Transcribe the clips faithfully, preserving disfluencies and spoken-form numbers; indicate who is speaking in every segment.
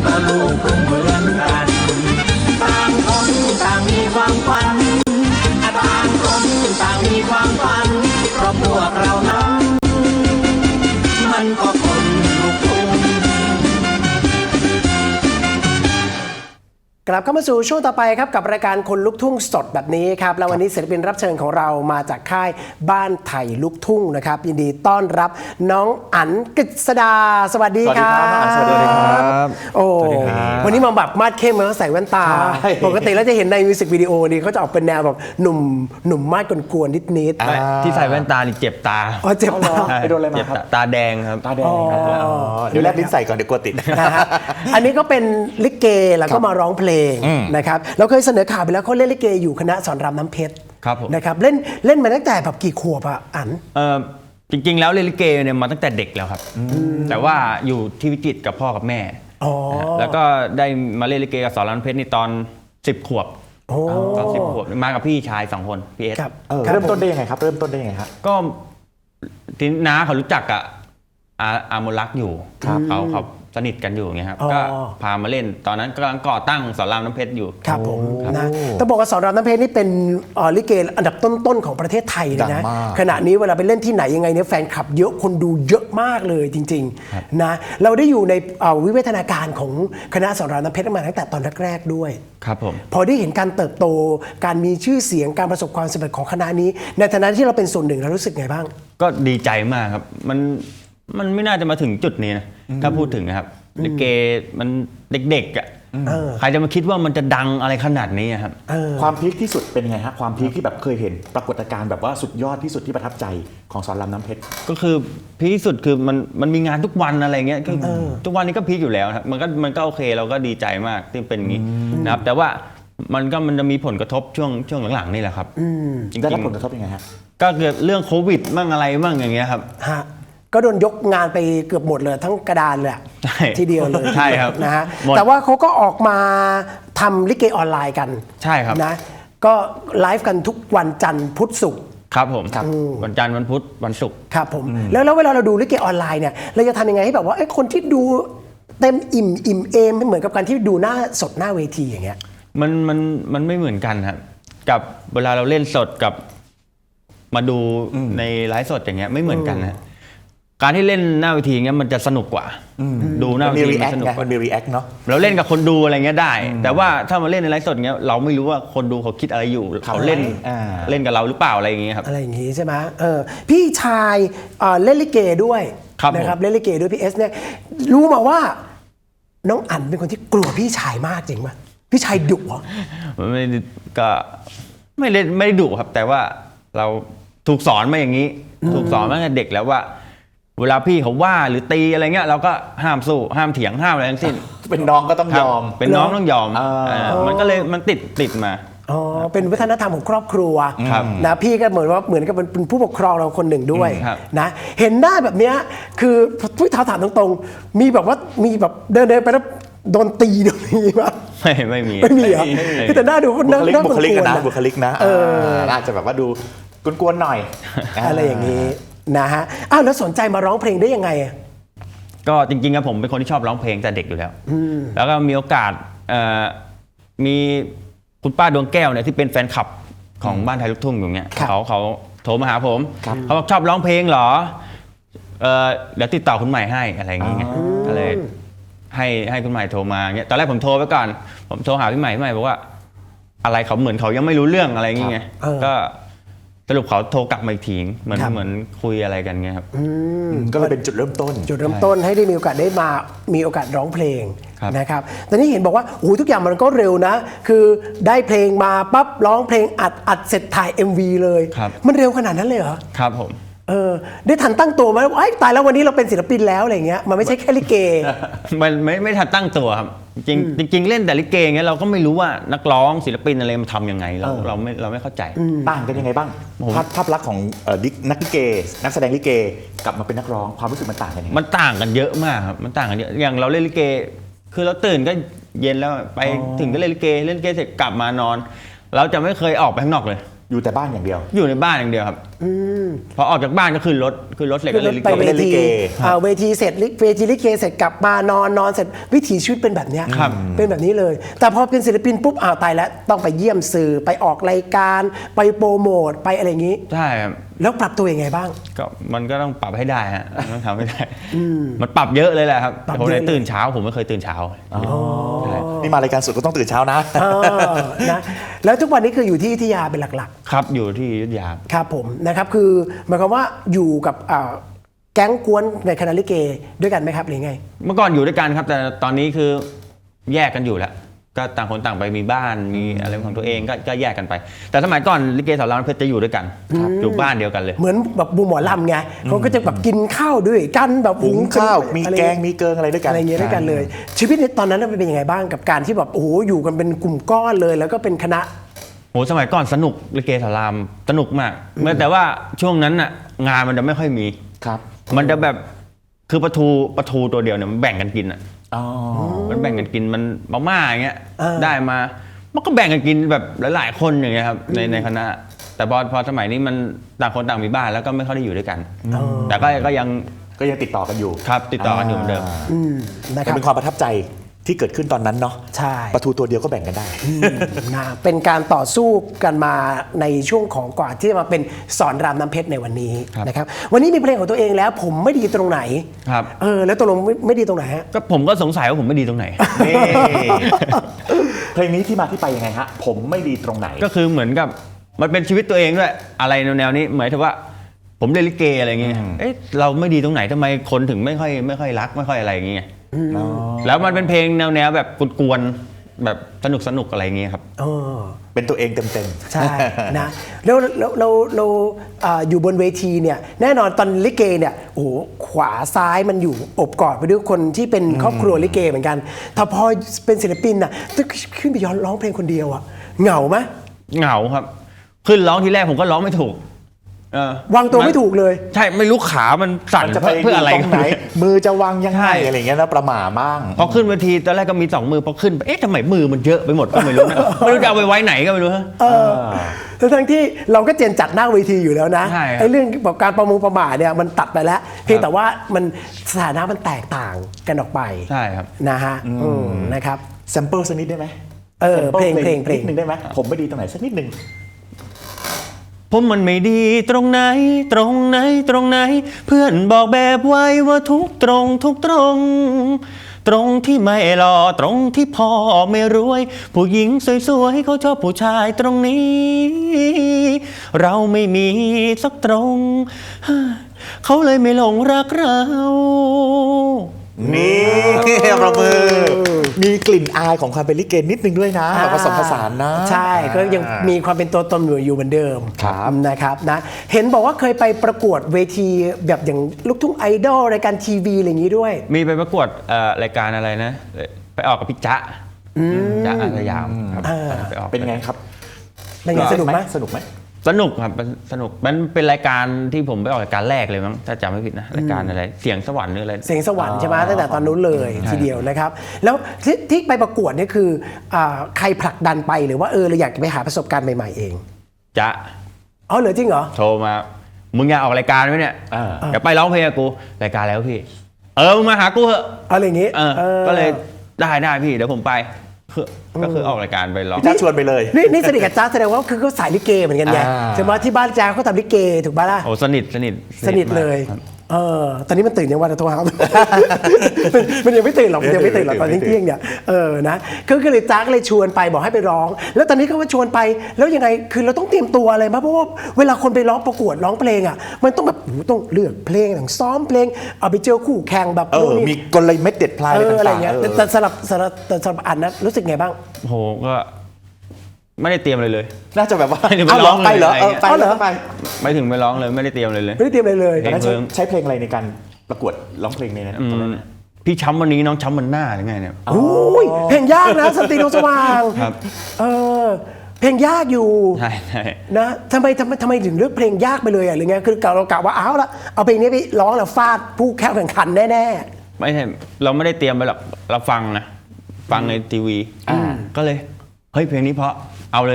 Speaker 1: ก็ลูกกรุงเหมือนกันต่างคนต่างมีความฝันต่างคนต่างมีความฝันเพราะพวกเรานั้นมันก็คนลูกทุ่ง
Speaker 2: กลับเข้ามาสู่ช่วงต่อไปครับกับรายการคนลุกทุ่งสดแบบนี้ครับแล้ววันนี้ศิลปินรับเชิญของเรามาจากค่ายบ้านไทยลุกทุ่งนะครับยินดีต้อนรับน้องอั๋นกฤษดาสวัสดีครับ
Speaker 3: สวัสดีครับ
Speaker 2: โอ้วันนี้มาแบบมาดเข้มแล้วใส่แว่นตาปกติแล้วจะเห็นในมิวสิกวิดีโอนี่เขาจะออกเป็นแนวแบบหนุ่มหนุ่มมาดกวนๆนิด
Speaker 3: ๆที่ใส่แว่นตานี่เจ็บตา
Speaker 2: อ๋อเจ็บตา
Speaker 3: ไปโดนอะไรมาครับตาแดงครับ
Speaker 4: ตาแดงเดี๋ยวแลบลิ้นใส่ก่อนเดี๋ยวกลัวติด
Speaker 2: อันนี้ก็เป็นลิเกแล้วก็มาร้องเพลงนะครับเราเคยเสนอข่าวไปแล้วเขาเล่นลิเกอยู่คณะสอนรามน้ำเพชรนะครับเล่นเล่นมาตั้งแต่แบบกี่ขวบอ่ะอั๋น
Speaker 3: เออจริงๆแล้วเล่นลิเกเนี่ยมาตั้งแต่เด็กแล้วครับแต่ว่าอยู่ที่วิจิตรกับพ่อกับแม่แล้วก็ได้มาเล่นลิเกกับสอนรามน้ำเพชรนี่ตอนสิบขวบตอนสิบขวบมากับพี่ชายสองคนพี่เอส
Speaker 4: เริ่มต้นได้ยังไงครับเริ่มต้นได้ยังไงครับ
Speaker 3: ก็ที่น้าเขารู้จักกับอาอามรักอยู่เขาเขาสนิทกันอยู่ไงครับก็พามาเล่นตอนนั้นกำลังก่อตั้งสอนรามน้ำเพชรอยู่
Speaker 2: ครับผมนะต้องบอกว่าสอนรามน้ำเพชรนี่เป็นลิเกอันดับต้นๆของประเทศไทยเลยนะขณะนี้เวลาไปเล่นที่ไหนยังไงเนี่ยแฟนคลับเยอะคนดูเยอะมากเลยจริงๆนะเราได้อยู่ในวิวัฒนาการของคณะสอนรามน้ำเพชรมาตั้งแต่ตอนแรกๆด้วย
Speaker 3: ครับผม
Speaker 2: พอได้เห็นการเติบโตการมีชื่อเสียงการประสบความสำเร็จของคณะนี้ในฐานะที่เราเป็นส่วนหนึ่งเรารู้สึกไงบ้าง
Speaker 3: ก็ดีใจมากครับมันมันไม่น่าจะมาถึงจุดนี้นะถ้าพูดถึงนะครับลิเกมันเด็กๆอ่ะใครจะมาคิดว่ามันจะดังอะไรขนาดนี้ครับ
Speaker 4: ความพีคที่สุดเป็นไงฮะความพีคที่แบบเคยเห็นปรากฏการณ์แบบว่าสุดยอดที่สุดที่ประทับใจของสอนรามน้ำเพชร
Speaker 3: ก็คือพีคที่สุดคือมันมันมีงานทุกวันอะไรเงี้ยทุกวันนี้ก็พีคอยู่แล้วครับมันก็มันก็โอเคเราก็ดีใจมากที่เป็นอย่างนี้นะครับแต่ว่ามันก็มันจะมีผลกระทบช่วงช่วงหลังๆนี่แหละครับ
Speaker 4: จริงๆได้รับผลกระทบยังไงฮะ
Speaker 3: ก็เกิดเรื่องโควิดมั่งอะไรมั่งอย่างเงี้ยครับ
Speaker 2: ก็โดนยกงานไปเกือบหมดเลยทั้งกระดานเลยทีเดียวเลย
Speaker 3: ใช่ครับ
Speaker 2: นะฮะแต่ว่าเขาก็ออกมาทำลิเกออนไลน์กัน
Speaker 3: ใช่ครับ
Speaker 2: นะก็ไลฟ์กันทุกวันจันทร์พุธศุกร์
Speaker 3: ครับผมวันจันทร์วันพุธวันศุกร์
Speaker 2: ครับผมแล้วแล้วเวลาเราดูลิเกออนไลน์เนี่ยเราจะทำยังไงให้แบบว่าไอ้คนที่ดูเต็มอิ่มอิ่มเอมไม่เหมือนกับการที่ดูหน้าสดหน้าเวทีอย่างเงี้ย
Speaker 3: มันมันมันไม่เหมือนกันครับกับเวลาเราเล่นสดกับมาดูในไลฟ์สดอย่างเงี้ยไม่เหมือนกันนะการที่เล่นหน้าเวทีเงี้ยมันจะสนุกกว่าดูหน้าเวทีมันสนุกกว่า
Speaker 4: มันมีรีแอคเนาะ
Speaker 3: เราเล่นกับคนดูอะไรเงี้ยได้แต่ว่าถ้ามาเล่นในไลฟ์สดเงี้ยเราไม่รู้ว่าคนดูเขาคิดอะไรอยู่เขาเล่นเล่นกับเราหรือเปล่าอะไรอย่างเงี้ยครับ
Speaker 2: อะไรอย่างงี้ใช่ไหมเออพี่ชายเล่นลิเกด้วยนะครับเล่นลิเกด้วยพี่เอสเนี่ยรู้มาว่าน้องอั๋นเป็นคนที่กลัวพี่ชายมากจริงป่ะพี่ชายดุเหรอ
Speaker 3: ไม่ก็ไม่เล่นไม่ดุครับแต่ว่าเราถูกสอนมาอย่างนี้ถูกสอนมาตั้งแต่เด็กแล้วว่าเวลาพี่เขาว่าหรือตีอะไรเงี้ยเราก็ห้ามสู้ห้ามเถียงห้ามอะไรทั้งสิ้น
Speaker 4: เป็นน้องก็ต้องยอม
Speaker 3: เป็นน้องต้องยอมมันก็เลยมันติดติดมา
Speaker 2: อ๋อเป็นวัฒนธรรมของครอบครัวนะพี่ก็เหมือนว่าเหมือนกับเป็นผู้ปกครองเราคนหนึ่งด้วยนะเห็นหน้าแบบเนี้ยคือพี่ท้าถามตรงๆมีแบบว่ามีแบบเดินเดินไปแล้วโดนตีโดนนี้ป่ะ
Speaker 3: ไม่ไม่มี
Speaker 2: ไม่มีเหรอแต่หน้าดูคนน่า
Speaker 4: บุคลิกนะบุคลิกนะอาจจะแบบว่าดูกวนๆหน่อย
Speaker 2: อะไรอย่างนี้นะฮะอ้าวแล้วสนใจมาร้องเพลงได้ยังไง
Speaker 3: ก็จริงๆครับผมเป็นคนที่ชอบร้องเพลงแต่เด็กอยู่แล้วแล้วก็มีโอกาสมีคุณป้าดวงแก้วเนี่ยที่เป็นแฟนคลับของบ้านไทยลูกทุ่งอยู่เนี่ยเขาเขาโทรมาหาผมเขาบอกชอบร้องเพลงเหรอเดี๋ยวติดต่อคุณใหม่ให้อะไรอย่างเงี้ยก็เลยให้ให้คุณใหม่โทรมาเงี้ยตอนแรกผมโทรไปก่อนผมโทรหาพี่ใหม่พี่ใหม่บอกว่าอะไรเขาเหมือนเขายังไม่รู้เรื่องอะไรอย่างเงี้ยก็สรุปเขาโทรกลับมาอีกทีเหมือนเหมือนคุยอะไรกันเงี้ยครับ
Speaker 4: ก็เลยเป็นจุดเริ่มต้น
Speaker 2: จุดเริ่มต้นให้ได้มีโอกาสได้มามีโอกาสร้องเพลงนะครับแต่นี่เห็นบอกว่าโอ้ทุกอย่างมันก็เร็วนะคือได้เพลงมาปั๊บร้องเพลงอัดอัดเสร็จถ่าย เอ็ม วี เลยมันเร็วขนาดนั้นเลยเหรอ
Speaker 3: ครับผม
Speaker 2: เออได้ทันตั้งตัวไหมว่าตายแล้ววันนี้เราเป็นศิลปินแล้วอะไรเงี้ยมันไม่ใช่แค่ลิเก
Speaker 3: มันไม่ไม่ทันตั้งตัวครับจริงจริงเล่นแต่ลิเกเงี้ยเราก็ไม่รู้ว่านักร้องศิลปินอะไรมันทำยังไงเราเราไม่เราไม่เข้าใจ
Speaker 4: ต่างกันยังไงบ้างภาพภาพลักษณ์ของนักลิเกนักแสดงลิเกกลับมาเป็นนักร้องความรู้สึกมันต่างกันยังไง
Speaker 3: มันต่างกันเยอะมากครับมันต่างกันเยอะอย่างเราเล่นลิเกคือเราตื่นก็เย็นแล้วไปถึงก็เล่นลิเกเล่นลิเกเสร็จกลับมานอนเราจะไม่เคยออกไปข้างนอกเลย
Speaker 4: อยู่แต่บ้านอย่างเดียว
Speaker 3: อยู่ในบ้านอย่างเดียวครับพอออกจากบ้านก็ขึ้นรถขึ้นรถเสร็จก็
Speaker 2: ขึ้นร
Speaker 3: เลย
Speaker 2: ถไปเว
Speaker 4: เล่นลิ
Speaker 2: ที
Speaker 4: เก
Speaker 2: อ่าเวทีเสร็จลิเวทีลิเกเสร็จกลับมานอนนอนเสร็จวิถีชีวิตเป็นแบบเนี้ย
Speaker 3: ครับ
Speaker 2: เป็นแบบนี้เลย แต่พอเป็นศิลปินปุ๊บอ้าวตายแล้วต้องไปเยี่ยมสื่อไปออกรายการไปโปรโมทไปอะไรอย่างนี้
Speaker 3: ใช่ครับ
Speaker 2: แล้วปรับตัวยังไงบ้าง
Speaker 3: ก็มันก็ต้องปรับให้ได้ฮะต้องทำให้ได้มันปรับเยอะเลยแหละครับ
Speaker 2: ปรับ
Speaker 3: ผม
Speaker 2: เยอะ
Speaker 3: เลย
Speaker 2: เลย
Speaker 3: ตื่นเช้าผมไม่เคยตื่นเช้าใช่
Speaker 4: นี่มารายการสดก็ต้องตื่นเช้านะ
Speaker 2: เออนะแล้วทุกวันนี้คืออยู่ที่อยุธยาเป็นหลัก
Speaker 3: ครับอยู่ที่อยุธยา
Speaker 2: ๆ ครับผมนะครับคือหมายความว่าอยู่กับอ่าแก๊งกวนในคณะลิเกด้วยกันไหมครับหรือไง
Speaker 3: เมื่อก่อนอยู่ด้วยกันครับ แต่ตอนนี้คือแยกกันอยู่แล้ว ก็ต่างคนต่างไปมีบ้านมีอะไรของตัวเองก็ก็แยกกันไป แต่สมัยก่อนลิเกสอนรามน้ำเพชรจะอยู่ด้วยกันอยู่บ้านเดียวกันเลย
Speaker 2: เหมือนแบบบูหมอลำไงเขาก็จะแบบกินข้าวด้วยกันแบบ
Speaker 4: หุงข้าว มี
Speaker 2: อะไร
Speaker 4: แกง มีเกิงอะไรด้วยกัน
Speaker 2: อะไรเงี้ยด้วยกันเลย ชีวิตในตอนนั้นมันเป็นยังไงบ้างกับการที่แบบโอ้โหอยู่กันเป็นกลุ่มก้อนเลย แล้วก็เป็นคณะ
Speaker 3: โหสมัยก่อนสนุกลิเกสอนรามสนุกมากเมื่อแต่ว่าช่วงนั้นน่ะงานมันจะไม่ค่อยมี
Speaker 4: ครับ
Speaker 3: มันจะแบบคือปลาทูปลาทูตัวเดียวเนี่ยมันแบ่งกันกินอ่ะ
Speaker 4: อ๋อ
Speaker 3: มันแบ่งกันกินมันมาม่าอย่างเงี้ย
Speaker 2: เออ
Speaker 3: ได้มามันก็แบ่งกันกินแบบหลายๆคนอย่างเงี้ยครับในในคณะ แต่พอพอสมัยนี้มันต่างคนต่างมีบ้านแล้วก็ไม่ค่อยได้อยู่ด้วยกัน แต่ก็ก็ยัง
Speaker 4: ก็ยังติดต่อกันอยู่
Speaker 3: ครับติดต่อกันอยู่เหมือนเดิม
Speaker 2: อืมนะค
Speaker 4: แต่
Speaker 2: รับ
Speaker 4: เป็นความประทับใจที่เกิดขึ้นตอนนั้นเนาะ
Speaker 2: ใช่
Speaker 4: ปลาทูตัวเดียวก็แบ่งกันได้
Speaker 2: นะเป็นการต่อสู้กันมาในช่วงของกว่าที่จะมาเป็นสอนรามน้ำเพชรในวันนี้
Speaker 3: ครับ
Speaker 2: นะครับวันนี้มีเพลงของตัวเองแล้วผมไม่ดีตรงไหน
Speaker 3: ครับ
Speaker 2: เออแล้วตกลงไม่ไม่ดีตรงไหนฮะ
Speaker 3: ก็ผมก็สงสัยว่าผมไม่ดีตรงไหน
Speaker 4: นี่ เพลงนี้ที่มาที่ไปยังไงฮะ ผมไม่ดีตรงไหน
Speaker 3: ก็คือเหมือนกับมันเป็นชีวิตตัวเองด้วยอะไรแนวๆนี้หมายถึงว่า ผมเล่นลิเกอะไรอย่างเงี้ยเอ๊ะเราไม่ดีตรงไหนทำไมคนถึงไม่ค่อยไม่ค่อยรักไม่ค่อยอะไรอย่างเงี้ยแล้วมันเป็นเพลงแนวๆแบบกวนๆแบบสนุกสนุกๆอะไรอย่างเงี้ยครับ
Speaker 2: เออ
Speaker 4: เป็นตัวเองเต็ม
Speaker 2: ใช่ นะแล้วเราเราเราอ่าอยู่บนเวทีเนี่ยแน่นอนตอนลิเกเนี่ยโอ้โหขวาซ้ายมันอยู่อบกอดไปด้วยคนที่เป็นครอบครัวลิเกเหมือนกันแต่พอเป็นศิลปินน่ะต้องขึ้นไปย้อนร้องเพลงคนเดียวอะเหงาไหม
Speaker 3: เหงาครับ ขึ้นร้องทีแรกผมก็ร้องไม่ถูกเออ
Speaker 2: วางตัวไม่ถูกเลย
Speaker 3: ใช่ไม่รู้ขามัน
Speaker 4: ๆ
Speaker 3: สั่น
Speaker 4: มันจะไป
Speaker 3: เพื่ออะไร
Speaker 4: ตรงไหน มือจะวางยัง
Speaker 3: ใช่
Speaker 4: ไงอะไรอย่างเงี้ยนะประหม่ามั่ง
Speaker 3: พอขึ้นเวทีตอนแรกก็มีสองมือพอขึ้นไปเอ๊ะทำไมมือมันเยอะไปหมดก็ไม่รู้นะ ไม่รู้จะเอาไปไว้ไหนก็ไม่รู้ฮะ
Speaker 2: เออทั้งๆที่เราก็เจนจัดหน้าเวทีอยู่แล้วนะ
Speaker 3: ใช่ครับ
Speaker 2: ไอ้เรื่องแบบการประมงประมาทเนี่ยมันตัดไปแล้ว เพียงแต่ว่ามันสถานะมันแตกต่างกันออกไป
Speaker 3: ใช่ครับ
Speaker 2: นะฮะอืมนะครับ
Speaker 4: แซมเปิลสักนิดได้ไหม
Speaker 2: เออ
Speaker 4: แซม
Speaker 2: เพลง
Speaker 4: ปิ
Speaker 2: เพลงเพลง
Speaker 4: นิดนึงได้ไหมผมไม่ดีตรงไหนสักนิดนึง
Speaker 3: ผมมันไม่ดีตรงไหนตรงไหนตรงไหน เพื่อนบอกแบบไว้ว่าทุกตรงทุกตรง ตรงที่ไม่หล่อตรงที่พ่อไม่รวย ผู้หญิงสวยๆเขาชอบผู้ชายตรงนี้ เราไม่มีสักตรง เขาเลยไม่หลงรักเรา
Speaker 4: นี่ประมือ มีกลิ่นอายของความเป็นลิเกนิดนึงด้วยนะแบบผสมผสานนะ
Speaker 2: ใช่ก็ยังมีความเป็นตัวตนอยู่อยู่เหมือนเดิม
Speaker 4: ครับ
Speaker 2: นะครับนะเห็นบอกว่าเคยไปประกวดเวทีแบบอย่างลูกทุ่งไอดอลรายการทีวีอะไรอย่างนี้ด้วย
Speaker 3: มีไปประกวดเอ่อรายการอะไรนะ ไปออกกับพี่จ๊ะจ๊ะอาสยามครับไปออก
Speaker 4: เป็นไงครับ
Speaker 2: เป็นไงสนุกไหม
Speaker 4: สนุกไหม
Speaker 3: สนุกครับมันสนุกมันเป็นรายการที่ผมไปออกรายการแรกเลยมั้งถ้าจำไม่ผิดนะรายการอะไรเสียงสวรรค์หรืออะไร
Speaker 2: เสียงสวรรค์ใช่ไหมตั้งแต่ตอนนู้นเลยทีเดียวนะครับ แล้วที่ที่ไปประกวดเนี่ยคืออาใครผลักดันไปหรือว่าเออเราอยากจะไปหาประสบการณ์ใหม่ๆเอง
Speaker 3: จ๊ะ
Speaker 2: อ๋อเหรอจริงเหรอ
Speaker 3: โทรมา มึงอยากออกรายการไหมเนี่ย
Speaker 4: อ่า
Speaker 3: เดี๋ยวไปร้องเพลงกับกู รายการแล้วพี่ เออ มึงมาหากูเถอะ
Speaker 2: อะไรอย่างงี้
Speaker 3: เออ
Speaker 2: ออ
Speaker 3: ก็เลยได้ได้พี่ เดี๋ยวผมไปคือก็คือออกรายการไปร้อง
Speaker 4: พี่จ้าชวนไปเลย
Speaker 2: นี่นี่สนิทกับจ้าแสดงว่าคือเขาสายลิเกเหมือนกันไง
Speaker 4: อ่า
Speaker 2: ใช่ไหมที่บ้านจ้าเขาทำลิเกถูกป่ะล่ะ
Speaker 3: โอ้สนิทสนิท
Speaker 2: สนิทเลย
Speaker 3: มากครับ
Speaker 2: เออ ตอนนี้มันตื่นยังวันโทรหา มันมันยังไม่ตื่นหรอกมันยังไม่ตื่นหรอกตอน
Speaker 4: ไม่ตื่น
Speaker 2: เที่ยงๆเนี่ย เออ นะก็ก็เลยจ้าก็เลยชวนไปบอกให้ไปร้อง แล้วตอนนี้เขาก็ชวนไป แล้วยังไง คือเราต้องเตรียมตัวอะไรมั้ยเพราะว่าเวลาคนไปร้องประกวดร้องเพลงอ่ะ มันต้องแบบโอ้โหต้องเลือกเพลงต้องซ้อมเพลง เอาไปเจอคู่แข่งแบบ
Speaker 4: เออ
Speaker 2: นู่นนี่
Speaker 4: มีกลเม็ดเด็ดพลาย
Speaker 2: เอ
Speaker 4: อะไร
Speaker 2: ออะไร
Speaker 4: ต่างๆ
Speaker 2: เงี้ย
Speaker 4: เอ
Speaker 2: แต่
Speaker 4: อ
Speaker 2: แต่สำหรับสำหรับแต่สำหรับอันนะรู้สึกไงบ้าง
Speaker 3: โอ้โหก็ไม่ได้เตรียมเลยเลย
Speaker 4: น่าจะแบบว่า
Speaker 3: ไม่ได้ไป
Speaker 4: เอาเหรอ
Speaker 3: ร้องเลย
Speaker 4: ไปเหรอ
Speaker 3: อะไร
Speaker 4: เออ
Speaker 3: เงี้ย
Speaker 4: ไป
Speaker 2: เอาเห
Speaker 4: เห
Speaker 2: ร
Speaker 4: ร
Speaker 2: อ
Speaker 4: อไป
Speaker 3: ไม่ถึงไปร้องเลยไม่ได้เตรียมเลยเลย
Speaker 2: ไม่ได้เตรียมอะไรเลย
Speaker 4: ตอนนั้นใช้
Speaker 3: เพลง
Speaker 4: ใช้เพลงอะไรในการประกวดร้องเพลงในนั้น
Speaker 3: อื
Speaker 4: ตอน
Speaker 3: ม
Speaker 4: นั้นน่ะ
Speaker 3: พี่ช้ำวันนี้น้องช้ำวันหน้าหรือไงเนี่ย
Speaker 2: โอ้ยเพลงยากนะสนติดวงสว่าง
Speaker 3: ครับ
Speaker 2: เออเพลงยากอยู่
Speaker 3: ใช่ใช่
Speaker 2: นะทำไมทำไมทำไมถึงเลือกเพลงยากไปเลยอ่ะหรือไงคือเรากะว่าเอาละเอาเพลงนี้ไปร้องแล้วฟาดผู้แข่งแข่งขันแน่
Speaker 3: ไม่ใช่เราไม่ได้เตรียมไปหรอกเราฟังนะฟังในทีวีก็เลยเฮ้ยเพลงนี้เพราะเอาเลย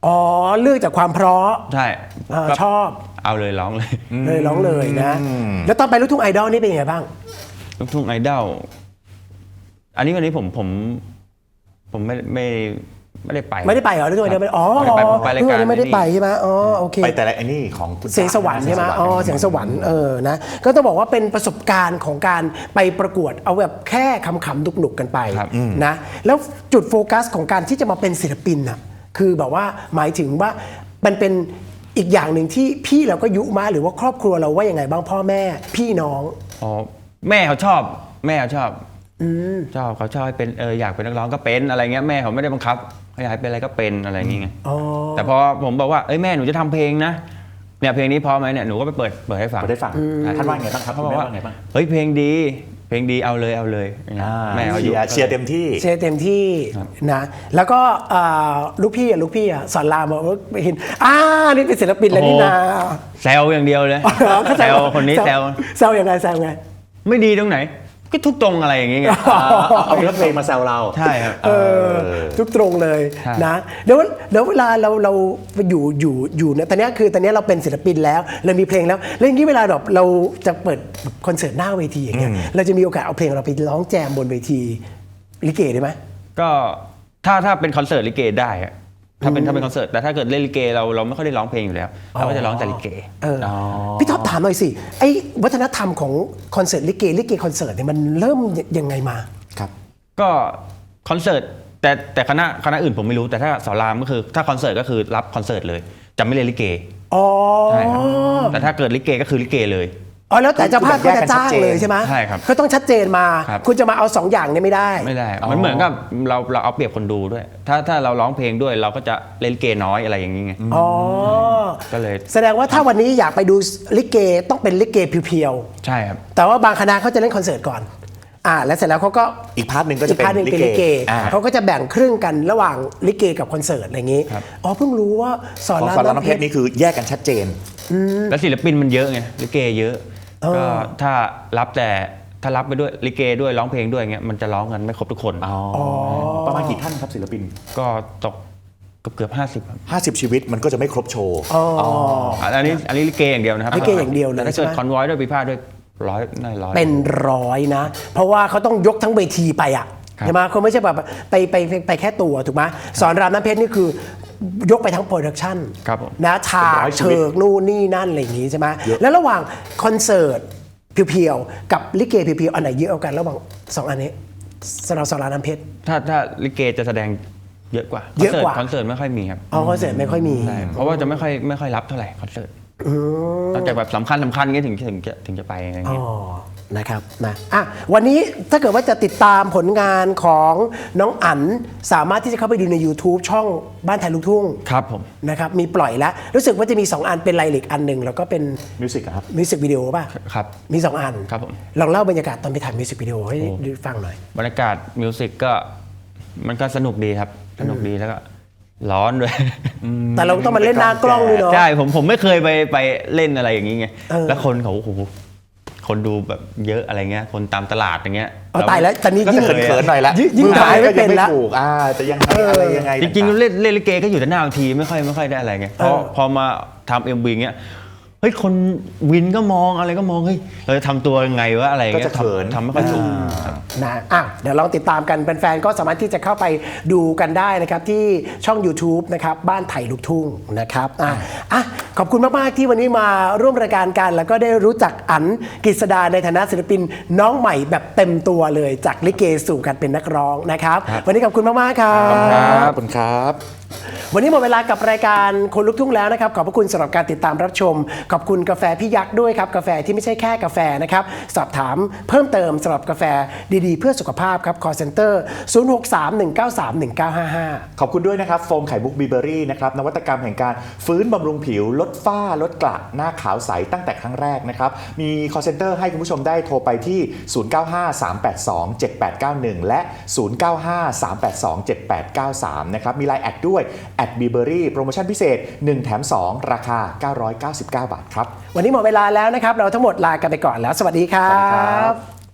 Speaker 2: อ๋อเลือกจากความเพราะ
Speaker 3: ใช่
Speaker 2: อ่า
Speaker 3: ก็
Speaker 2: ชอบ
Speaker 3: เอาเลยร้องเลย
Speaker 2: เลยร้องเลยนะ แล้วตอนไปลูกทุ่งไอดอลนี่เป็นยังไงบ้าง
Speaker 3: ลูกทุ่งไอดอลอันนี้วันนี้ผมผมผมไม่ไม่ไม่ได้ไป
Speaker 2: ไม่ได้ไปเหรอลูกทุ่งไอดอลไม่ได้อ๋อ
Speaker 3: ไม่ได้ไปผมไปรายการ
Speaker 2: ลูกทุ่งไอดอลไม่ได้ไปใช่ไหมอ๋อโอเค
Speaker 4: ไปแต่ละไอ้นี่ของคุณ
Speaker 2: เสียงสวรรค์ใช่ไหมอ๋อเสียงสวรรค์เออนะก็ต้องบอกว่าเป็นประสบการณ์ของการไปประกวดเอาแบบแค่คำขำๆหนุกๆกันไป
Speaker 3: ครับ
Speaker 2: นะแล้วจุดโฟกัสของการที่จะมาเป็นศิลปินน่ะคือแบบว่าหมายถึงว่ามันเป็นอีกอย่างหนึ่งที่พี่เราก็ยุมาหรือว่าครอบครัวเราว่ายังไงบ้างพ่อแม่พี่น้อง
Speaker 3: อ๋อแม่เขาชอบ แม่เขาชอบชอบเขาชอบให้เป็นเอออยากเป็นนักร้องก็เป็นอะไรเงี้ยแม่เขาไม่ได้บังคับเขาอยากให้เป็นอะไรก็เป็นอะไรอย่างเงี้ย
Speaker 2: อ๋อ
Speaker 3: แต่พอผมบอกว่าเอ้ยแม่หนูจะทำเพลงนะเนี่ยเพลงนี้พอไหมเนี่ยหนูก็ไปเปิดเปิดให้ฟัง
Speaker 4: ได้ฟังท่านว่าไงบ้างครับ
Speaker 3: เขา
Speaker 4: คุ
Speaker 3: บ
Speaker 4: ณ
Speaker 3: อก
Speaker 4: แม่
Speaker 3: ว่า
Speaker 4: ว่าไงบ้าง
Speaker 3: เฮ้ยเพลงดี เพลงดีเอาเลยเอาเลยอย่างเงี้ย
Speaker 4: อ่า
Speaker 3: แม่เขาอ
Speaker 4: เชี
Speaker 3: ยู่
Speaker 4: ยร์เชียร์เต็มที่
Speaker 2: เชียร์เต็มที่นะแล้วก็อ่าลูกพี่อ่ะลูกพี่อ่ะสอนรามบอกว่าเห็นอ่านี่เป็นศิลปินแล้วนี่นา
Speaker 3: แซวอย่างเดียวเลย
Speaker 2: เขา
Speaker 3: แซวคนนี้แซว
Speaker 2: แซวยังไงแซวยังไง
Speaker 3: ไม่ดีตรงไหน ก็ทุกตรงอะไรอย่างเงี้ย
Speaker 4: เอาเนื้อเพลงมาแซวเรา
Speaker 3: ใช่ครับ
Speaker 2: เออทุกตรงเลย
Speaker 3: ใช่
Speaker 2: นะเดี๋ยวเดี๋ยวเวลาเราเราอยู่อยู่อยู่เนี่ยตอนเนี้ยคือตอนเนี้ยเราเป็นศิลปินแล้วเรามีเพลงแล้วแล้วอย่างนี้เวลาแบบเราจะเปิดคอนเสิร์ตหน้าเวทีอย่างเงี้ยเราจะมีโอกาสเอาเพลงเราไปร้องแจมบนเวทีลิเกได้ไหม
Speaker 3: ก็ถ้าถ้าเป็นคอนเสิร์ตลิเกได้อะถ้าเป็นถ้าเป็นคอนเสิร์ตแต่ถ้าเกิดเล่นลิเกเราเราไม่ค่อยได้ร้องเพลงอยู่แล้วเราก็จะร้องแต่ลิเก
Speaker 2: เออพี่ท็อปถามหน่อยสิไอ้วัฒนธรรมของคอนเสิร์ตลิเกลิเกคอนเสิร์ตเนี่ยมันเริ่มยังไงมา
Speaker 4: ครับ
Speaker 3: ก็คอนเสิร์ตแต่แต่คณะคณะอื่นผมไม่รู้แต่ถ้าสอนรามก็คือถ้าคอนเสิร์ตก็คือรับคอนเสิร์ตเลยจะไม่เล่นลิเก
Speaker 2: อ๋อ
Speaker 3: ใช่ครับแต่ถ้าเกิดลิเกก็คือลิเกเลย
Speaker 2: อ๋อแล้วแต่เจ้าภาพก็จะจ้างเลยใช่ไหม
Speaker 3: ใช่ครับ
Speaker 2: ก็ต้องชัดเจนมา
Speaker 3: ครับ
Speaker 2: คุณจะมาเอาสองอย่างเนี่ยไม่ได้
Speaker 3: ไม่ได้มันเหมือนกับเราเราเอาเปรียบคนดูด้วย ถ้าถ้าเราร้องเพลงด้วยเราก็จะเล่นลิเกน้อยอะไรอย่างนี้ไง
Speaker 2: อ๋อ
Speaker 3: ก็เลย
Speaker 2: แสดงว่าถ้าวันนี้อยากไปดูลิเกต้องเป็นลิเกเพียว
Speaker 3: ใช่ครับ
Speaker 2: ๆแต่ว่าบางคณะเขาจะเล่นคอนเสิร์ตก่อนอ่าแล้วเสร็จแล้วเขาก็
Speaker 4: อีกพาร์ทหนึ่งก็
Speaker 2: อี
Speaker 4: จะ
Speaker 2: ก
Speaker 4: เป็น
Speaker 2: พาร์ทหนึ่งเป็น
Speaker 4: ลิ
Speaker 2: ลิ
Speaker 4: เก
Speaker 2: เก
Speaker 4: อ่า
Speaker 2: เขาก็จะแบ่งครึ่งกันระหว่างลิเกกับคอนเสิร์ตอะไรอย่างนี้
Speaker 3: ครับ
Speaker 2: อ๋อเพิ่งรู้ว่าสอน
Speaker 4: ของ
Speaker 2: ราม
Speaker 4: สอนราม
Speaker 2: น้ำ
Speaker 4: น้ำ
Speaker 2: เพ
Speaker 4: เพ
Speaker 2: ช
Speaker 4: ช
Speaker 2: ร
Speaker 4: รนี่คือแยกกันชัดเจน
Speaker 3: แล้วศิลปินมันเยอะไงลิเกเยอะก็ถ้ารับแต่ถ้ารับไปด้วยลิเกด้วยร้องเพลงด้วยเงี้ยมันจะร้องกันไม่ครบทุกคน
Speaker 4: ประมาณกี่ท่านครับศิลปิน
Speaker 3: ก็ตกเกือบเกือบห้าสิบครับ
Speaker 4: ห้าสิบ ชีวิตมันก็จะไม่ครบโชว์
Speaker 2: อ๋อ
Speaker 3: อันนี้อันนี้ลิเกอย่างเดียวนะครับ
Speaker 2: ลิเกอย่างเดียวเลย
Speaker 3: แต่ถ้าเกิด
Speaker 2: ใช่ไหม
Speaker 3: คอนวอยด้วยปีพาทด้วยร้อยน่าร้อย
Speaker 2: เป็นร้อยนะ เพราะว่าเขาต้องยกทั้งเวทีไปอ่ะ
Speaker 3: ครับ
Speaker 2: ใช่ไหมเขาไม่ใช่แบบไปไปไปไปแค่ตัวถูกไหมสอนรามน้ำเพชรนี่คือยกไปทั้งโปรดักชั่น
Speaker 3: ครับผม
Speaker 2: นะฉาก
Speaker 4: เป็นร้อยชี
Speaker 2: เชิ
Speaker 4: วิต
Speaker 2: กนู่นนี่นั่นอะไรอย่างงี้ใช่ไหม
Speaker 4: เยอะ
Speaker 2: แล้วระหว่างคอนเสิร์ตเพียวๆกับลิเกเพียวๆอันไหนเยอะกว่ากันระหว่างสองอันนี้สำหรับสอนรามน้ำเพชร
Speaker 3: ถ้าถ้าลิเกจะแสดงเยอะกว่า
Speaker 2: เยอะกว่า
Speaker 3: คอนเสิร์ตไม่ค่อยมีครับ
Speaker 2: อ๋อคอนเสิร์ตไม่ค่อยมี
Speaker 3: ใช่เพราะว่าจะไม่ค่อยไม่ค่อยรับเท่าไหร่คอนเสิร์ตนอกจากแบบสำคัญสำคัญเงี้ยถึงถึงจะถึงจะไปอะไร
Speaker 2: อ๋
Speaker 3: เงี้ย
Speaker 2: อ นะครับ นะ อ่ะ วันนี้ถ้าเกิดว่าจะติดตามผลงานของน้องอั๋นสามารถที่จะเข้าไปดูใน YouTube ช่องบ้านไทยลูกทุ่ง
Speaker 3: ครับผม
Speaker 2: นะครับ มีปล่อยแล้ว รู้สึกว่าจะมี สอง อันเป็นไลลิกอันหนึ่งแล้วก็เป็น
Speaker 4: มิวสิกครับ
Speaker 2: มิวสิกวิดีโอป่ะ
Speaker 3: ครับ
Speaker 2: มี สอง อัน
Speaker 3: ครับผม
Speaker 2: ลองเล่าบรรยากาศตอนไปถ่ายมิวสิกวิดีโอให้ดูฟังหน่อย
Speaker 3: บรรยากาศมิวสิกก็มันก็สนุกดีครับ สนุกดีแล้วก็ร้อนด้วย
Speaker 2: แต่เราต้องมาเล่นหน้ากล้องด้วยเนาะ
Speaker 3: ใช่ผมผมไม่เคยไปไปเล่นอะไรอย่างนี้ไง
Speaker 2: เออ
Speaker 3: แล้วคนเขาโอ้โหคนดูแบบเยอะอะไรเงี้ยคนตามตลาดอย่างเงี้ย
Speaker 2: เอาตายแล้วตอนนี้
Speaker 4: ก็
Speaker 2: ยิ่
Speaker 4: จะ
Speaker 2: ง
Speaker 4: เขินๆหน่อยละ
Speaker 2: ยิ่งยิ่ง
Speaker 4: มือ
Speaker 2: ถ่ายไม่เป็นละ
Speaker 4: ก็งถูกอ่าจะยังไงอะไรยังไง
Speaker 3: จริงๆ
Speaker 4: ต่าๆ
Speaker 3: เล่นเล่นลิเกก็อยู่แต่หน้าเวทีไม่ค่อยไม่ค่อยได้อะไรไงพอพอมาทำเอ็มวีเงี้ยเฮ้ยคนวินก็มองอะไรก็มองเฮ้ยเราจะทำตัวยังไงวะอะไรเงี้
Speaker 4: ก็
Speaker 3: ย
Speaker 4: จะเขิน
Speaker 3: ทำทำไม่ค่อยถูก
Speaker 2: นะอ่ะเดี๋ยวลองติดตามกันแฟนๆก็สามารถที่จะเข้าไปดูกันได้นะครับที่ช่อง YouTube นะครับบ้านไทยลูกทุ่งนะครับอ่ะอ่ะขอบคุณมากๆที่วันนี้มาร่วมรายการกัน แล้วก็ได้รู้จักอั๋นกฤษดาในฐานะศิลปินน้องใหม่แบบเต็มตัวเลยจากลิเกสู่การเป็นนักร้องนะครับ วันนี้ขอบคุณมากๆครับ
Speaker 4: ขอบคุณครับ
Speaker 2: วันนี้หมดเวลากับรายการคนลุกทุ่งแล้วนะครับขอบพระคุณสำหรับการติดตามรับชมขอบคุณกาแฟพี่ยักษ์ด้วยครับกาแฟที่ไม่ใช่แค่กาแฟนะครับสอบถามเพิ่มเติมสำหรับกาแฟดีๆเพื่อสุขภาพครับ call center ศูนย์ หก สาม หนึ่ง เก้า สาม หนึ่ง เก้า ห้า ห้า
Speaker 4: ขอบคุณด้วยนะครับโฟมไข่มุกบีเบอรี่นะครับนวัตกรรมแห่งการฟื้นบำรุงผิว ลดฝ้าลดกระหน้าขาวใสตั้งแต่ครั้งแรกนะครับมี call center ให้คุณผู้ชมได้โทรไปที่ ศูนย์ เก้า ห้า สาม แปด สอง เจ็ด แปด เก้า หนึ่ง และ ศูนย์ เก้า ห้า สาม แปด สอง เจ็ด แปด เก้า สาม นะครับมีไลน์แอดด้วยแอดบีเบอรี่โปรโมชั่นพิเศษหนึ่งแถมสองราคาเก้าร้อยเก้าสิบเก้าบาทครับ
Speaker 2: วันนี้หมดเวลาแล้วนะครับเราทั้งหมดลากันไปก่อนแล้วสวัสดีครั
Speaker 4: สวัสดีครับ บ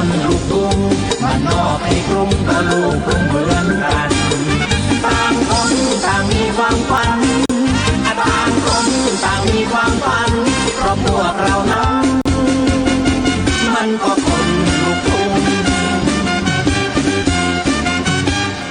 Speaker 1: คนลูกกรุงบ้านนอกให้กรุงก็ลูกกรุงเมื